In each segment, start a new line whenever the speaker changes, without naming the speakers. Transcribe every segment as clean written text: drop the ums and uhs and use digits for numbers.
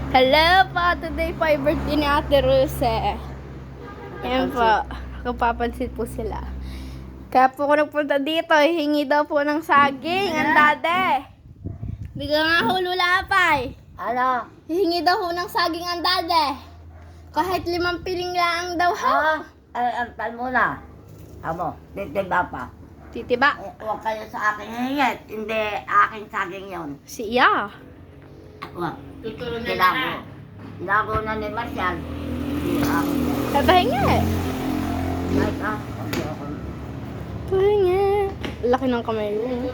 Hello po! Today po ay birthday ni Ate Rose. Ayan po. Kapapansin po sila. Kaya po ako nagpunta dito. Hingi daw po ng saging. Ang dade. Bigla nga ho lulapay.
Ano?
Hingi daw ho ng saging ang dade. Kahit 5 piling lang daw ho.
Antal muna. Amo, titiba pa.
Titiba.
Huwag kayo sa akin hingit. Hindi aking saging yon.
Si Iya.
Huwag. Tilago. Tilago na ni Marcial. Hindi ako.
Pahinga eh.
Kahit ako. Okay, ako.
Pahinga. Laki ng kamay mo.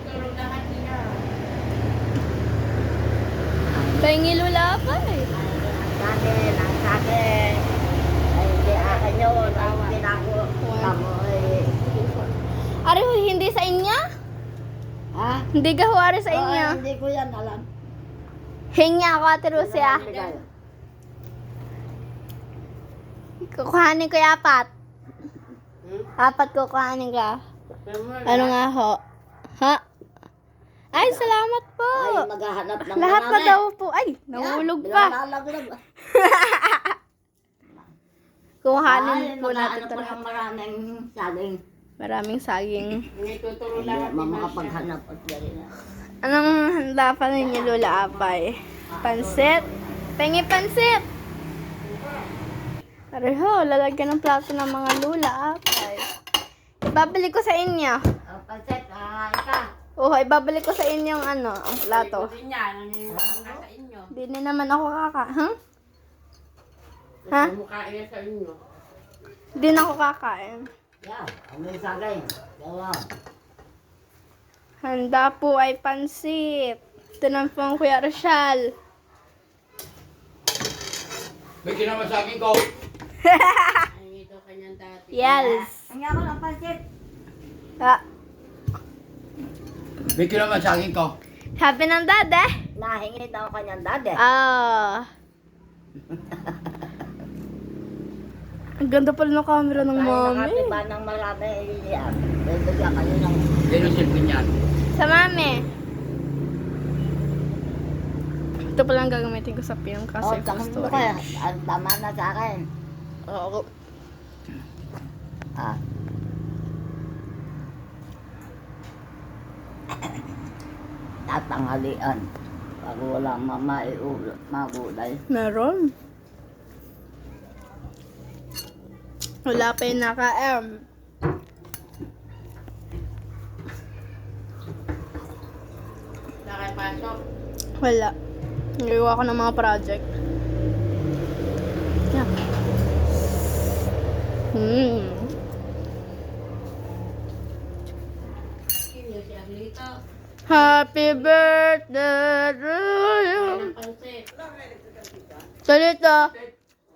Pahingi lulapay.
Ang saging. Ay, hindi akin yun. Ay, tinago. Tamo ay.
Ari ho, hindi sa inya?
Ha?
Hindi ka ho, ari sa inya.
Hindi ko yan alam.
Hingi ako, Ate Rose, ah. Kukuhanin ko yung 4. 4 kukuhanin ka. Ano nga ho? Ha? Ay, salamat po.
Ay, maghahanap ng
Lahat na
marami.
daw po. Ay, nahulog pa.
Nilalaglag.
Kukuhanin po natin
maghahanap
ito
ko
lahat.
ng maraming saging.
Maraming saging.
Hindi makapaghanap at gano'n na.
Anong handa pa ninyo, Lola Apay? Pansit? Pengi pansit! Pareho, lalagyan ng plato ng mga Lola Apay. Ibabalik ko sa inyo.
Pansit, ka.
Oo, ibabalik ko sa inyo ang ang plato. Hindi na naman ako kakain. Ha?
Mukhain sa inyo.
Hindi na ako kakain.
Yan, may saging. Gawa.
Handa po ay pansit. Ito na po ang Kuya Rochelle.
May kinamasagin ko.
Ay, ito kanyang dati.
Yes.
Ang ako ng pansit.
Ah,
May kinamasagin ko.
happy ng dad eh.
Nahingi daw kanyang dade.
Ah. Ang ganda pala ng camera ng
Kaya
mami.
nakatiba ng marami. Yan. Bibigyan kayo ng...
Sino silpin yan?
Sa mami. Ito pala ang gagamitin ko sa film kasi
tanong mo
storage.
kaya. Ang tama na sa akin.
Oo.
Ah. Tatanghalian. Pag walang mamaiulot, magulay.
Meron. Wala pa yung naka-M.
Nakapasok.
Wala. Nagawa ko ng mga project. Yeah.
Sino si Arlito?
Happy birthday to you.
Ang pansit.
Salita.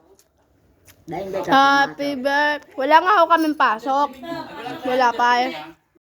Dahil hindi ka
Happy birthday. Wala nga ako kaming pasok. Wala pa eh.